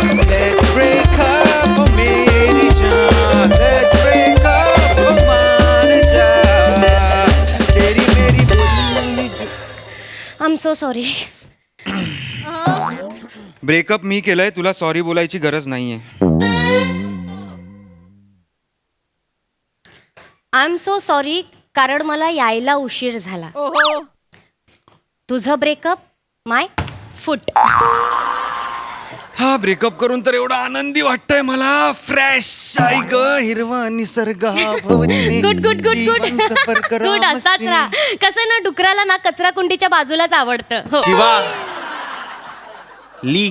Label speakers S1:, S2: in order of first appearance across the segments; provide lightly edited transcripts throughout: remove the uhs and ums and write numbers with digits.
S1: Let's break up, oh Mary Jan. Let's break up, oh मान जा. तेरी मेरी बोली जो.
S2: I am so sorry.
S1: Breakup मी केलंय, तुला सॉरी बोलायची गरज नाहीये.
S2: आय एम सो सॉरी कारण मला यायला उशीर झाला.
S3: ओहो.
S2: तुझं ब्रेकअप माय फुट.
S1: हा ब्रेकअप करून तर एवढा आनंदी वाटतंय मला. फ्रेश आहे ग, हिरवा निसर्ग.
S2: Good good good good good. असाच राहा. कसं ना, डुकराला ना कचरा कुंडीच्या बाजूलाच आवडतं. हो.
S1: शिवा ली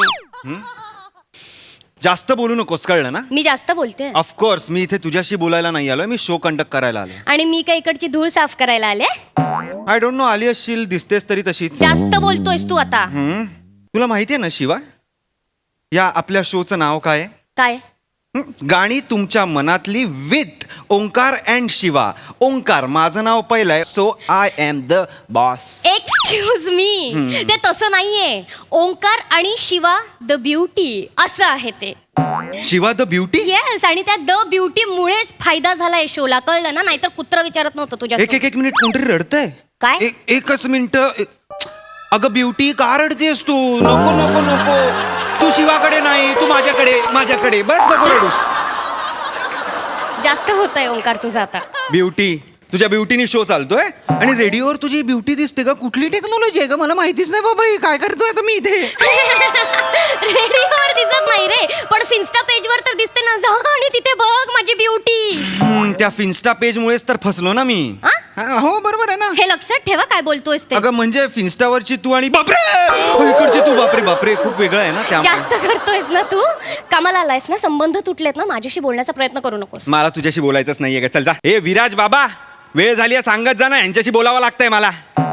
S1: जास्त बोलू नकोस, कळलं ना.
S2: मी जास्त बोलते
S1: ऑफकोर्स मी इथे तुझ्याशी बोलायला नाही आलोय, मी शो कंडक्ट करायला आलोय.
S2: आणि मी काय इकडची धूळ साफ करायला आले.
S1: आय डोंट नो, आली असशील, दिसतेस तरी तशीच.
S2: जास्त बोलतोयस तू आता.
S1: तुला माहितीये ना शिवा, या आपल्या शोचं नाव काय आहे?
S2: काय?
S1: गाणी तुमच्या मनातली विथ ओंकार अँड शिवा. ओंकार माझं नाव पहिलं आहे, so I am the boss.
S2: Excuse me, ते तसं नाहीये. ओंकार आणि शिवा द ब्युटी असं आहे ते.
S1: Shiva the beauty.
S2: येस, आणि त्या द ब्युटी मुळेच फायदा झालाय शोला, कळलं ना. नाहीतर कुत्र विचारत नव्हतं तुझ्या.
S1: एक मिनिट, कोणतरी रडतंय.
S2: काय?
S1: एकच मिनिट. अगं ब्युटी, का रडतेस तू? नको नको नको, तू शिवाकडे नाही, तू माझ्याकडे बस, नको रडूस.
S2: जास्त होतंय ओंकार तुझं आता.
S1: ब्युटी, तुझ्या ब्युटीने शो चालतोय आणि रेडिओवर तुझी ब्युटी दिसते का? कुठली टेक्नॉलॉजी आहे का? मला माहितीच नाही बाबा. काय करतोय आता मी इथे?
S2: रेडिओवर दिसत नाही रे, पण फिन्स्टा पेजवर तर दिसते ना. जा आणि तिथे बघ माझी ब्युटी.
S1: त्या फिन्स्टा पेज मुळेच तर फसलो ना मी. हो बरोबर आहे ना.
S2: हे लक्षात ठेवा काय बोलतोयस ते.
S1: अगं म्हणजे फिन्स्टावरची तू आणि बापरे इकडची तू, बापरे बापरे, खूप वेगळं आहे ना. त्यामुळे
S2: जास्त करतोयस ना तू. कामाला आलायस ना, संबंध तुटलेत ना, माझ्याशी बोलण्याचा प्रयत्न करू नकोस.
S1: मला तुझ्याशी बोलायचंच नाहीये का? चल जा. ए विराज बाबा, वेळ झाली आहे, सांगत जा ना, यांच्याशी बोलावं लागतंय मला.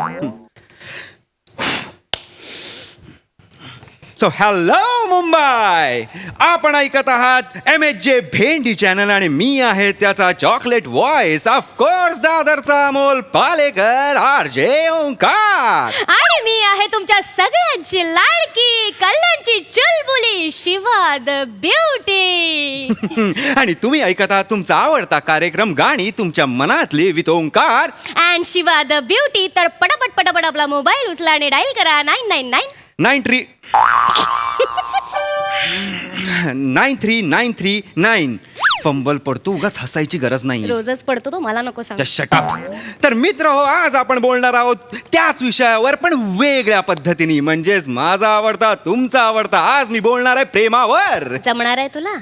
S1: सो हॅलो मुंबई, आपण ऐकत आहात MHJ भेंडी चॅनल आणि मी आहे त्याचा चॉकलेट व्हॉइस, ऑफकोर्स दादरचा अमोल पालेकर, RJ ओंकार.
S2: आणि मी आहे तुमच्या सगळ्यांची लाडकी, कल्याणची चुलबुली, शिवा द ब्युटी.
S1: आणि तुम्ही ऐकत आहात तुमचा आवडता कार्यक्रम गाणी तुमच्या मनातली with Omkar
S2: and Shiva the beauty. तर पटापट आपला मोबाईल उचला आणि डायल करा
S1: 93939. फंबल पडतो, उगाच हसायची गरज नाही.
S2: रोजच पडतो तो, मला नको सांग.
S1: शटअप. तर मित्र हो, आज आपण बोलणार आहोत त्याच विषयावर पण वेगळ्या पद्धतीने, म्हणजेच माझा आवडता तुमचा आवडता. आज मी बोलणार आहे प्रेमावर.
S2: जमणार आहे तुला?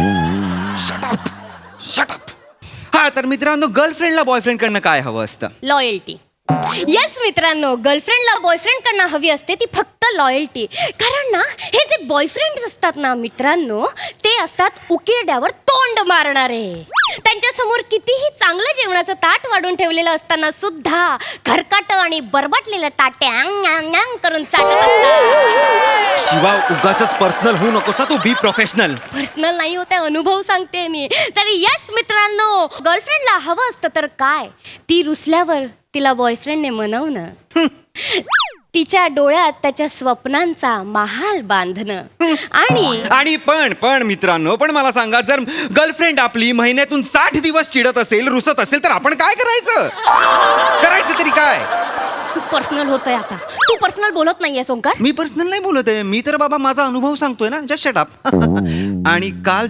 S1: शटअप. हा तर मित्रांनो, गर्लफ्रेंडला बॉयफ्रेंड कडनं काय हवं असतं?
S2: लॉयल्टी. येस मित्रांनो, गर्लफ्रेंडला बॉयफ्रेंड कडनं हवी असते ती फक्त लॉयल्टी. कारण ना, हे जे बॉयफ्रेंड असतात ना मित्रांनो, ते असतात उकिरड्यावर तोंड मारणारे. त्यांच्या समोर कितीही चांगलं जेवणाचं ताट वाढून ठेवलेलं असताना सुद्धा खरकाट आणि बरबाटलेलं ताटे करून चाटत असतात.
S1: शिवा, उगाचच पर्सनल होऊ नकोस तू, बी प्रोफेशनल.
S2: पर्सनल नाही होते, अनुभव सांगते मी. तर येस मित्रांनो, गर्लफ्रेंडला हवं असतं तर काय? ती रुसल्यावर तिला बॉयफ्रेंडने मनवणं, तिच्या डोळ्यात त्याच्या स्वप्नांचा महाल बांधणं.
S1: आणि पण मित्रांनो, पण मला सांगा, जर गर्लफ्रेंड आपली महिन्यातून 60 दिवस चिडत असेल, रुसत असेल, तर आपण काय करायचं तरी काय?
S2: पर्सनल होतंय आता. तू पर्सनल बोलत नाहीये ओंकार.
S1: मी पर्सनल नाही बोलत आहे, मी तर बाबा माझा अनुभव सांगतोय ना. Just shut up. आणि काल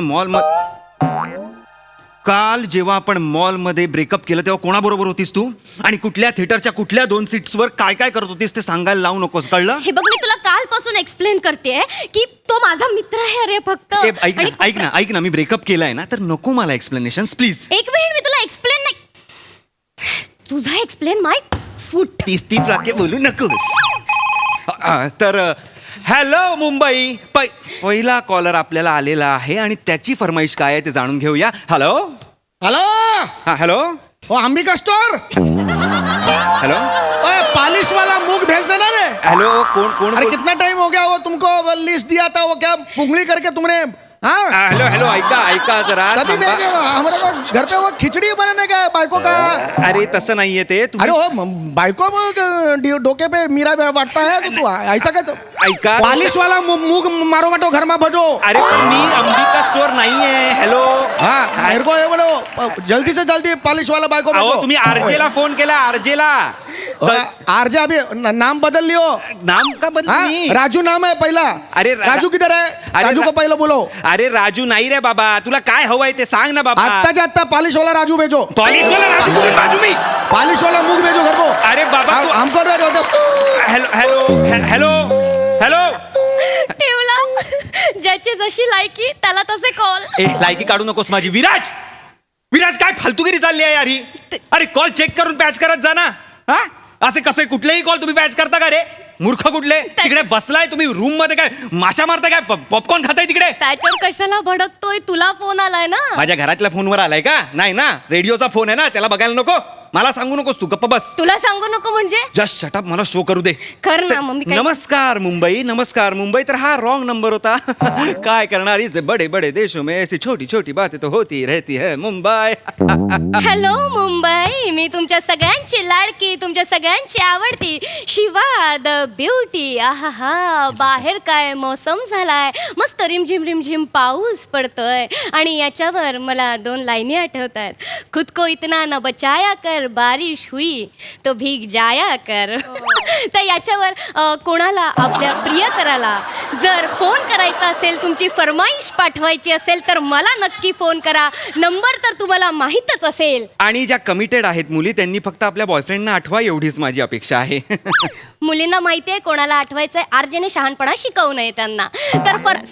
S1: जेव्हा आपण मॉलमध्ये ब्रेकअप केलं तेव्हा कोणाबरोबर होतीस तू? आणि कुठल्या थिएटरच्या कुठल्या 2 सीट्सवर काय करत होतीस ते सांगायला लावू नकोस, कळलं?
S2: हे बघ, मी तुला कालपासून एक्सप्लेन करते की तो माझा मित्र आहे. अरे फक्त
S1: ऐक ना, मी ब्रेकअप केलाय ना, तर नको मला एक्सप्लेनेशन प्लीज.
S2: एक मिनिट, मी तुला एक्सप्लेन नाही. तुझा एक्सप्लेन माय फूट.
S1: 30 वाक्य बोलू नकोस. तर हॅलो मुंबई, पहिला कॉलर आपल्याला आलेला आहे आणि त्याची फरमाईश काय आहे ते जाणून घेऊया. हॅलो. हा hello.
S4: Ambika store.
S1: Hello,
S4: polish वाला मूग भेज देना रे.
S1: हेलो, कौन?
S4: अरे कितना टाइम हो गया वो तुमको लिस्ट दिया था, वो क्या पुंगली करके तुमने हाँ
S1: हेलो हेलो ऐका जरा
S4: तभी
S1: थांबा.
S4: हमारे घर पे वो खिचड़ी बनाने का बायको का
S1: अरे तसं नाहीये ते
S4: अरे
S1: तुम्ही
S4: वो बायको डोके पे मीरा वाटता है तो तू ऐसा काय
S1: ऐका.
S4: पॉलिश वाला मूग मारो मटो घर में भटो
S1: अरे पण मी अंबिका स्टोर नाहीये. हॅलो
S4: हाँ मेरे को ये बोलो जल्दी से जल्दी पॉलिश वाला बायको
S1: अहो
S4: भटो
S1: तुम्ही आरजेला फोन केला आरजेला.
S4: आरजे अभी नाम बदल लियो
S1: नाम का बदल
S4: हाँ
S1: मी?
S4: राजू नाम है पहला
S1: अरे
S4: राजू किधर है
S1: अरे
S4: राजू को पहले बोलो
S1: अरे राजू नाही रे बाबा तुला काय हवंय ते सांग ना बाबा.
S4: आत्ताच्या आत्ता पॉलिश वाला राजू भेजो
S1: पॉलिश वाला राजू मी.
S4: पॉलिश वाला मूग भेजो घर को
S1: अरे बाबा तू-
S4: हमको
S1: हॅलो हॅलो हॅलो हॅलो
S2: ठेवला ज्याची जशी लायकी त्याला तसे कॉल.
S1: ए लायकी काढू नकोस माझी. विराज विराज काय फालतूगिरी चालली आहे यार ही. अरे कॉल चेक करून पॅच करत जा ना. हा असे कसे कुठलेही कॉल तुम्ही पॅच करता का रे मूर्ख कुठले. तिकडे बसलाय तुम्ही रूम मध्ये काय माशा मारताय काय पॉपकॉर्न खाताय तिकडे.
S2: त्याच्यावर कशाला भडकतोय तुला फोन आलाय ना.
S1: माझ्या घरातल्या फोनवर आलाय का. नाही ना रेडिओचा फोन आहे ना त्याला बघायला नको. मला सांगू नकोस तू गप्प बस.
S2: तुला सांगू नको म्हणजे
S1: जस्ट शटअप मला शो करू दे.
S2: कर ना मग मी काय-
S1: नमस्कार मुंबई तर हा रॉंग नंबर होता. काय करणार इस बडे बडे देशों में ऐसी छोटी छोटी बातें तो होती रहती है मुंबई.
S2: हॅलो मुंबई मी तुमच्या सगळ्यांची लाडकी तुमच्या सगळ्यांची आवडती शिवा द ब्युटी. आहा बाहेर काय मौसम झालाय मस्त रिमझिम रिमझिम पाऊस पडतोय आणि याच्यावर मला 2 लाईनी आठवत आहेत. खुद को इतना न बचाया कर बारिश हुई तो भीग जाया कर. तर याच्यावर कोणाला आपल्या प्रियकराला जर फोन करायचा असेल तुमची फरमाईश पाठवायची असेल तर मला नक्की फोन करा. नंबर तर तुम्हाला माहीतच असेल.
S1: आणि ज्या कमिटेड आहेत मुली त्यांनी फक्त आपल्या बॉयफ्रेंडना आठवा एवढीच माझी अपेक्षा आहे.
S2: मुलींना माहिती आहे कोणाला आठवायचंय आरजेने शहाणपणा शिकवू नये त्यांना. तर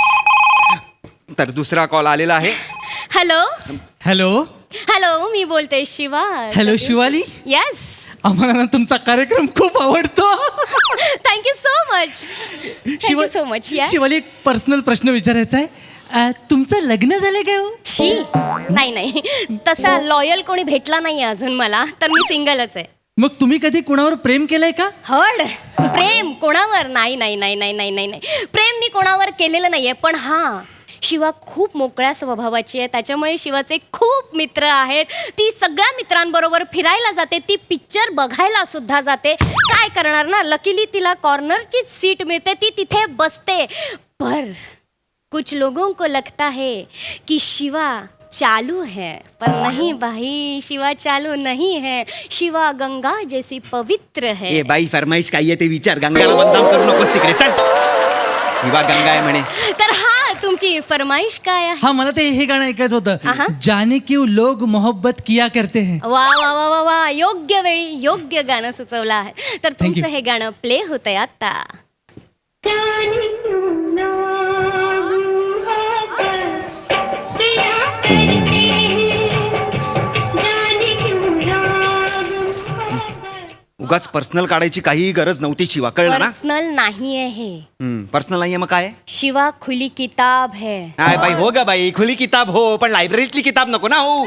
S1: तर दुसरा कॉल आलेला आहे.
S2: हॅलो
S3: हॅलो
S2: हॅलो मी बोलते शिवा.
S3: हॅलो शिवाली
S2: येस
S3: आम्हाला ना तुमचा कार्यक्रम खूप आवडतो.
S2: Thank you so much. Thank you so much.
S3: Shivali एक पर्सनल प्रश्न विचारायचा आहे. तुमचं लग्न झालं काय हो?
S2: शी नाही तसा लॉयल कोणी भेटला नाही अजून मला तर मी सिंगलच आहे.
S3: मग तुम्ही कधी कुणावर प्रेम केलंय का?
S2: हड प्रेम कोणावर नाही प्रेम मी कोणावर केलेलं नाहीये. पण हा शिवा खूप मोकळ्या स्वभावाची आहे त्याच्यामुळे शिवाचे खूप मित्र आहेत. ती सगळ्या मित्रांबरोबर फिरायला जाते ती पिक्चर बघायला सुद्धा जाते. काय करणार ना लकीली तिला कॉर्नरची सीट मिळते ती तिथे बसते. पर कुछ लोगों को लगता है कि शिवा चालू है पर नहीं भाई शिवा चालू नहीं है. शिवा गंगा जैसी पवित्र है.
S1: ए बाई फरमाईश काय आहे ते विचार. गंगाला बदनाम करू नकोस तिकडे चल. शिवा गंगा आहे म्हणे.
S2: तर हा तुमची फरमाईश काय आहे?
S3: हा मला ते हे गाणं ऐकायचं
S2: आहा.
S3: होतं. जाने क्यों लोग मोहब्बत किया करते हैं.
S2: वा वा वा वा वा योग्य वेळी योग्य गाणं सुचवलं आहे. तर
S3: Thank you.
S2: तुमचं हे गाणं प्ले होतंय आता.
S1: उगाच पर्सनल काढायची काही गरज नव्हती शिवा कळलं ना.
S2: पर्सनल नाहीये हे.
S1: पर्सनल नाहीये मग काय.
S2: शिवा खुली किताब है.
S1: काय बाई हो ग बाई खुली किताब हो पण लायब्ररीतली किताब नको ना हो.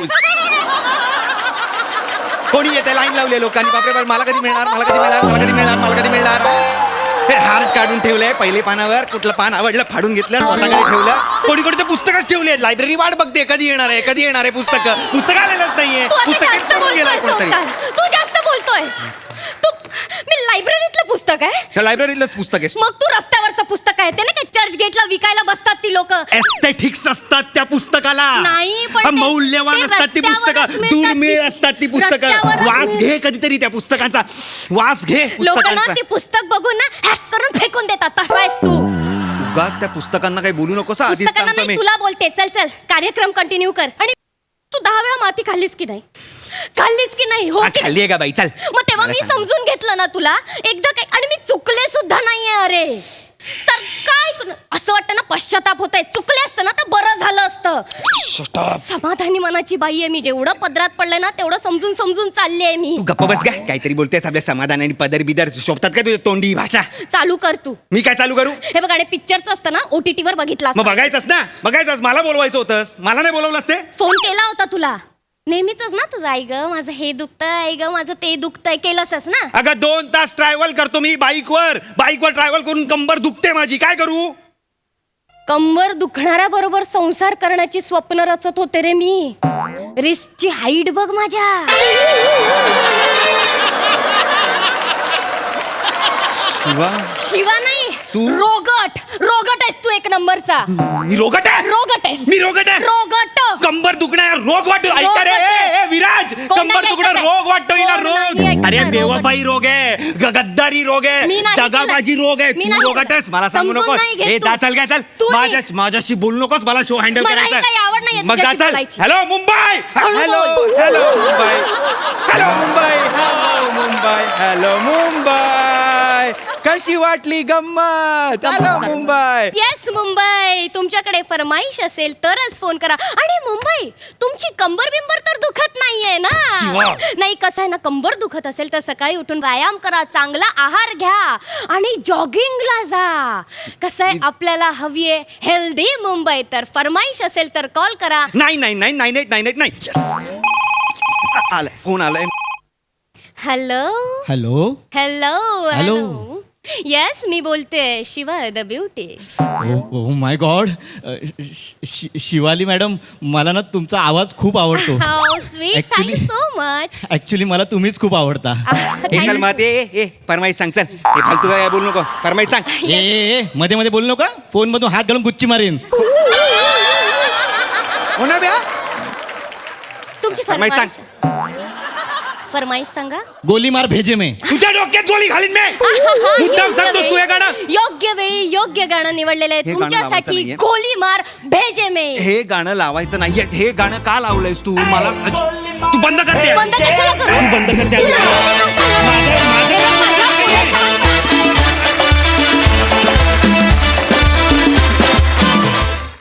S1: कोणी येते लाईन लावले लोकांनी बापरे बाप मला कधी मिळणार मला कधी मिळणार मला कधी मिळणार मला कधी मिळणार. हे हार्ट काढून ठेवलंय पहिले पानावर कुठलं पान आवडलं फाडून घेतलं स्वतःकडे ठेवलं. कोणी कोणी ते पुस्तकच ठेवले लायब्ररी वाट बघते कधी येणार आहे पुस्तक आलेलंच नाहीये.
S2: तू आता
S1: पुस्तक
S2: जास्त
S1: ठेवून गेलाय
S2: बोलतोय
S1: कोणतरी.
S2: सोबत. तू जास्त बोलतोय. तू मी लायब्ररीतलं पुस्तक आहे.
S1: त्या लायब्ररीतलंच पुस्तक आहे.
S2: मग तू रस्त्यावरचं पुस्तक आहे ते ना काय चर्च गेटला विकायला बसतात ती लोक.
S1: एस्थेटिक्स असतात त्या पुस्तकाला.
S2: नाही, पण ते-
S1: मौल्यवान
S2: ते
S1: असतात ती
S2: रस्त्यावरच
S1: पुस्तकं.
S2: मिळतात
S1: दुर्मिळ
S2: ती-
S1: असतात ती पुस्तकं.
S2: रस्त्यावरच
S1: वास
S2: मिळतात.
S1: घे कधीतरी त्या पुस्तकांचा वास घे
S2: लोकांना
S1: पुस्तकांचा.
S2: ते पुस्तक बघून ना हॅक करून फेकून देतात. तसा आहेस तू.
S1: उगाच त्या पुस्तकांना काही बोलू नकोस हा, आधीच
S2: पुस्तकांना
S1: सांगतो
S2: नाही
S1: मी.
S2: तुला बोलते. चल कार्यक्रम कंटिन्यू कर. आणि तू 10 वेळा माती खाल्लीस की नाही हो
S1: हा,
S2: की नाही?
S1: खाल्ली आहे का बाई चल.
S2: मग तेव्हा
S1: मला
S2: मी
S1: सांग.
S2: समजून घेतलं ना तुला एकदा काय. आणि मी चुकले सुद्धा नाहीये. अरे सर काय असं वाटतं ना पश्चाताप होत आहे. चुकले असतं ना तर बरं झालं असतं. समाधानी मनाची बाई आहे मी. जेवढं पदरात पडलंय ना तेवढं समजून समजून चालली आहे मी.
S1: तू गप्प बस का काहीतरी बोलतेस आपल्या समाधान आणि पदर बिदर शोभतात का तुझ्या तोंडी भाषा.
S2: चालू कर तू.
S1: मी काय चालू करू.
S2: हे बघ आणि पिक्चरचं असतं ना OTT वर बघितला
S1: मग बघायचंस ना बघायचंस. मला बोलवायचं होतंस मला नाही बोलवलंस ते.
S2: फोन केला होता तुला नेहमीच ना तुझं. आई ग माझं हे दुखतंय आई ग माझं ते दुखतंय केलंसच ना.
S1: अगं 2 तास ट्रॅव्हल करतो मी बाईकवर ट्रॅव्हल करून कंबर दुखते माझी काय करू.
S2: कंबर दुखणाऱ्या बरोबर संसार करण्याची स्वप्न रचत होते रे मी. रिस्कची हाईट बघ माझ्या.
S1: शिवा
S2: शिवा नाही
S1: तू?
S2: रोगट आहेस तू एक नंबरचा.
S1: मी रोगट आहे.
S2: रोगट आहेस.
S1: मी रोगट आहे.
S2: रोगट.
S1: कंबर दुखणार रोग वाटतो. ऐका रे ए, विराज,
S2: कोण
S1: कंबर
S2: नाही
S1: दुखणार
S2: ऐकत आहे?
S1: रोग वाटतो हिला
S2: कोण
S1: रोग.
S2: नाही ऐकत
S1: अरे
S2: आहे?
S1: बेवफाई रोग आहे, गद्दारी रोग आहे,
S2: मी नाही
S1: दगाबाजी
S2: केलं.
S1: रोग आहे.
S2: मी
S1: तू
S2: नाही
S1: रोगट आहेस, मला सांगू
S2: समजून
S1: नकोस.
S2: नाही घेत
S1: ए
S2: तू.
S1: जा चल काय चल.
S2: तू नाही.
S1: माझ्याशी बोलू नकोस. मला शो हँडल
S2: मला
S1: करायचा
S2: ही काही आवड नाहीये
S1: मग जा
S2: तुझ्याशी
S1: चल.
S2: बोलायची.
S1: हॅलो मुंबई.
S2: हळू
S1: हॅलो
S2: बोल.
S1: Hello Mumbai. Hello Mumbai. Hello Mumbai. Hello Mumbai. कशी वाटली गंमत? हॅलो मुंबई.
S2: येस मुंबई, तुमच्याकडे फरमाईश असेल तरच फोन करा. आणि मुंबई, तुमची कंबर बिंबर तर दुखत नाहीये ना?
S1: शिवा.
S2: नाही, कसं आहे ना, कंबर दुखत असेल तर सकाळी उठून व्यायाम करा, चांगला आहार घ्या आणि जॉगिंगला जा. कसं आहे, आपल्याला हवी आहे हेल्दी मुंबई. तर फरमाईश असेल तर कॉल करा.
S1: नाही नाही नाही नाही नाही नाही नाही. Yes. आलाय फोन आलाय.
S2: Hello
S3: hello
S2: hello
S3: hello.
S2: Yes, मी बोलते Shiva the beauty.
S3: Oh my god, Shivali madam, मला ना तुमचा आवाज खूप आवडतो.
S2: How sweet,
S3: Actually-
S2: thank you so much.
S3: Actually मला तुम्हीच खूप आवडता.
S1: हे चल मग ए फरमाईश सांग. चल हे फालतू काय बोलू नको. फरमाईश सांग.
S3: ए मध्ये मध्ये बोलू नका. फोन मधून हात घालून गुच्ची मारीन.
S1: हो ना ब्या.
S2: तुमची
S1: फरमाईश सांग.
S2: फरमाईश सांगा.
S3: गोली मार भेजे में.
S1: तुझ्या डोक्यात गोळी घालीन मी. मुद्दाम सांगतोस तू हे गाणं.
S2: योग्य वेळी योग्य गाणं निवडलेलं आहे
S1: हे गाणं लावायचं
S2: तुमच्यासाठी.
S1: नाहीये.
S2: गोली मार भेजे मे.
S1: हे गाणं लावायचं नाहीये. हे गाणं का लावलंयस तू? मला तू बंद करते.
S2: बंद कशाला करू?
S1: तू बंद करते.
S2: तुला-
S1: माझं